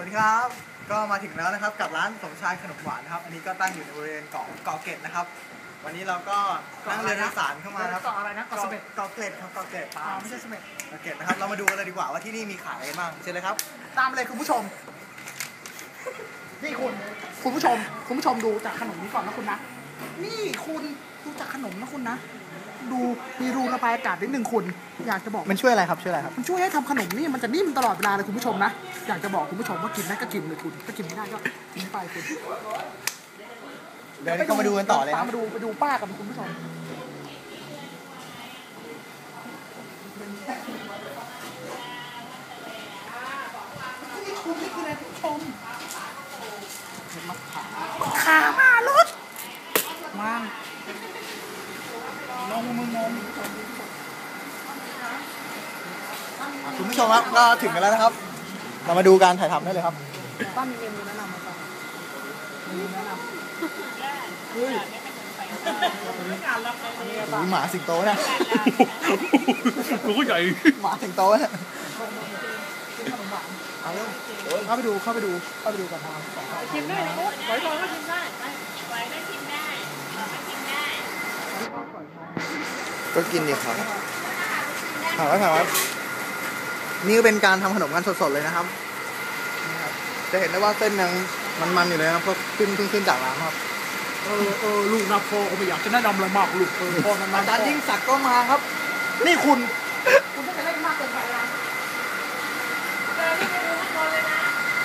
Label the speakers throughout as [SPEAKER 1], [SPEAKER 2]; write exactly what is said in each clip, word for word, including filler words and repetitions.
[SPEAKER 1] วัสดีครับก็มาถึงแล้วนะครับกับร้านสมชายขนมหวานนะครับอันนี้ก็ตั้งอยู่ในบริเวณเกาะเกาะเกร็ดนะครับวันนี้เราก็นั่งเรือโดยสารเข้ามาครับ
[SPEAKER 2] เกาะอะไรนะเกาะเสม็ด
[SPEAKER 1] เกาะเกร็ดครับเกาะเกร็ด
[SPEAKER 2] อ๋อไม่ใช่เสม็ด
[SPEAKER 1] เกาะเกร็ดนะครับเรามาดูกันเลยดีกว่าว่าที่นี่มีขายอะไรบ้างเชิญเลยครับ
[SPEAKER 2] ตามเลยคุณผู้ชมนี่คุณคุณผู้ชมคุณผู้ชมดูจากขนมนี้ก่อนนะคุณนะนี่คุณดูจากขนมนะคุณนะดูมีรูระบายอากาศนิดนึงคุณอยากจะบอก
[SPEAKER 1] มันช่วยอะไรครับช่วยอะไรครับ
[SPEAKER 2] มันช่วยให้ทำขนมนี่มันจะนิ่มตลอดเวลาเลยคุณผู้ชมนะอยากจะบอกคุณผู้ชมว่ากินได้ก็กินเลยคุณถ้ากินไม่ได้ก็ทิ้งไปคุณ
[SPEAKER 1] เดี๋ยวนี้ก็มาดูกันต่อเลยค
[SPEAKER 2] ตา
[SPEAKER 1] รั
[SPEAKER 2] ม
[SPEAKER 1] บ
[SPEAKER 2] มาดูไปดูป้ากันคุณผู้ชมนี่คุณนี่คืออะไรคุณผู้ชมเห็นมะขามขามารถมางนมมือนม
[SPEAKER 1] คุณผู้ชมครับก็ถึงกันแล้วนะครับ เรามาดูการถ่ายทำได้เลยครับ
[SPEAKER 2] ป้ามีเมนูแนะนำไหมครับเมนูแนะนำเฮ้ย
[SPEAKER 1] มีหมาสิงโตเนี่ย
[SPEAKER 3] ตัวก็ใหญ่
[SPEAKER 1] หมาสิงโตเนี่ย
[SPEAKER 2] ขนมหวาน
[SPEAKER 1] เอาเร็ว
[SPEAKER 2] เข้าไปดูเข้าไปดูเข้าไปดูกันทาง
[SPEAKER 4] ชิมได้เลยปุ๊บไว้ก่อนก็ชิมได้ไว้ได้ชิมได้ก็ชิมได้
[SPEAKER 1] ก็กินดีครับถามว่าถามว่านี่ก็เป็นการทำขนมกันสดๆเลยนะครับนี่ครับจะเห็นได้ว่าเส้นยังมันๆอยู่เลยนะครับเพราะขึ้นเพิ่งขึ้นจากร้านครับ
[SPEAKER 2] เออเออลูกนะพ่อก็ไม่อยากจะแนะนำอะไรมากลูกเออพ่อนั้น
[SPEAKER 1] อาจารย์ยิ่งศักดิ์ก็มาครับ
[SPEAKER 2] นี่คุณคุณไม่ไปเล่นมากเกินไปนะ
[SPEAKER 4] เจอที่เมนูข้างบนเลยนะ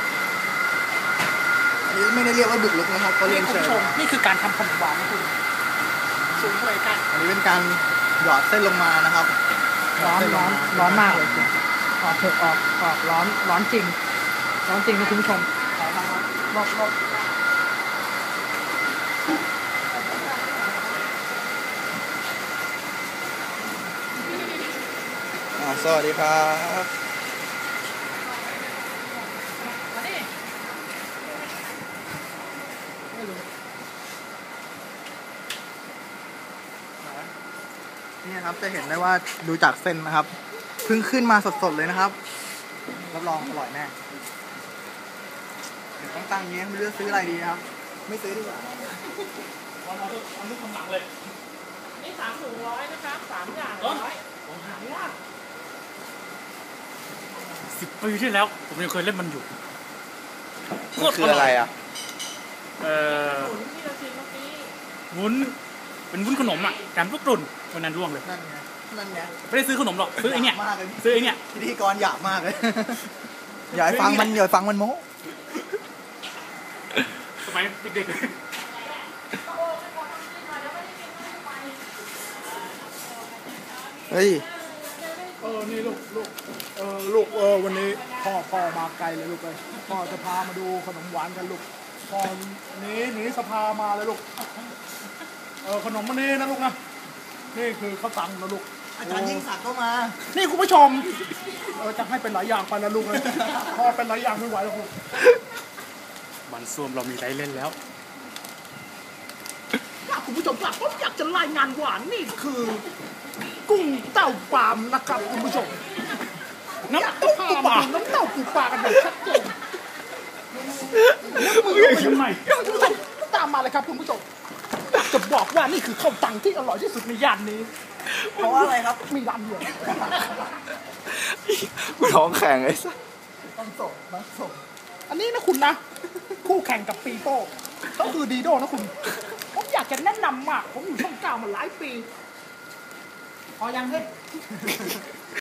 [SPEAKER 1] อันนี้ไม่ได้เรียกว่าบุกลุกนะครับเขาเรี
[SPEAKER 2] นี่
[SPEAKER 1] ยน
[SPEAKER 2] คุณ
[SPEAKER 1] เชิญ
[SPEAKER 2] ผู้ชมนี่คือการทำขนมหวานนะคุณสูงเลยกัน
[SPEAKER 1] อันนี้เป็นการหยอดเส้นลงมานะครับ
[SPEAKER 2] ร้อนร้อนร้อนมากเลยคุณออกเถอะออกออกร้อนร้อนจริง ร้อนจริงนะคุณผู้ชมรอบรอบ
[SPEAKER 1] อ่าสวัสดีครับ
[SPEAKER 4] มาดิ
[SPEAKER 1] นี่นะครับจะเห็นได้ว่าดูจากเส้นนะครับเพิ่งขึ้นมาสดๆเลยนะครับรับรองอร่อยแน่เดี๋ยวต้องตั้งอย่างนี้ไม่รู้จะซื้ออะไรดีนะครับ ไม่ซื้อดีกว่า
[SPEAKER 3] เอาเอาเอาลูกคำหลังเลย
[SPEAKER 4] นี่สามถุงร้อยนะครับสามอย่างร้อยหายาก
[SPEAKER 3] สิบปีที่แล้ว ผมยังเคยเล่นมันอยู่
[SPEAKER 1] มันคืออะไรอ่ะ
[SPEAKER 3] เอ่อ
[SPEAKER 4] ถุงที่เราชิมเมื่อกี้
[SPEAKER 3] วุ้นเป็นวุ้นขนมอ่ะแถมลูกกลุ่นวันนั้นร่วงเลย
[SPEAKER 1] นั่นไงนั่นไง
[SPEAKER 3] ไม่ได้ซื้อขนมหรอกซื้อไอ้เนี่ย
[SPEAKER 1] มากเลย
[SPEAKER 3] ซื้อไอ้เนี่ย
[SPEAKER 1] พิธีกรหยาบมากเลย อย่าให้ฟังมันอย่าให้ฟังมันโม้
[SPEAKER 3] สมัยเด็ก
[SPEAKER 1] เฮ้ย
[SPEAKER 2] เออนี่ลูกลูกเออลูกเออวันนี้พ่อพ่อมาไกลเลยลูกเลยพ่อจะพามาดูขนมหวานกันลูกพ่อหนีหนีสภามาเลยลูกเออขนมมันนี่นะลูกนะนี่คือข้าวตังนะลูก
[SPEAKER 1] อาจารย์ยิ่งศักดิ์ก็มา
[SPEAKER 2] นี่คุณผู้ชมเออจะให้เป็นหลายอย่างไปนะลูกเลยพ่อเป็นหลายอย่างไม่ไหวแล้วลูก
[SPEAKER 3] ๆมันส้วมเรามีไรเล่นแล้ว
[SPEAKER 2] ถ้าคุณผู้ชมครับผมอยากจะรายงานว่านี่คือ กุ้งเต้าปลามนะครับคุณผู้ชม
[SPEAKER 3] น้ำตุ๊ก
[SPEAKER 2] พา
[SPEAKER 3] ตุ๊ก
[SPEAKER 2] มา
[SPEAKER 3] ปลา
[SPEAKER 2] ดูน้ำเต้าปูปลากันแบบชัดเจน
[SPEAKER 3] มือยังไง
[SPEAKER 2] คุณผู้ชมตามมาเลยครับคุณผู้ชมอยากจะบอกว่านี่คือข้าวตังที่อร่อยที่สุดในย่านนี้
[SPEAKER 1] เพราะว่าอะไรครับ
[SPEAKER 2] มีร้านเดียว
[SPEAKER 1] กูท้องแข็งไอ้สัสต้องส่งต้องส่ง
[SPEAKER 2] อันนี้นะคุณนะ คู่แข่งกับปีโป้ก็คือดีโดนะคุณ ผมอยากจะแนะนำมาก ผมอยู่ช่องเก้ามาหลายปี พอยังเฮ้ย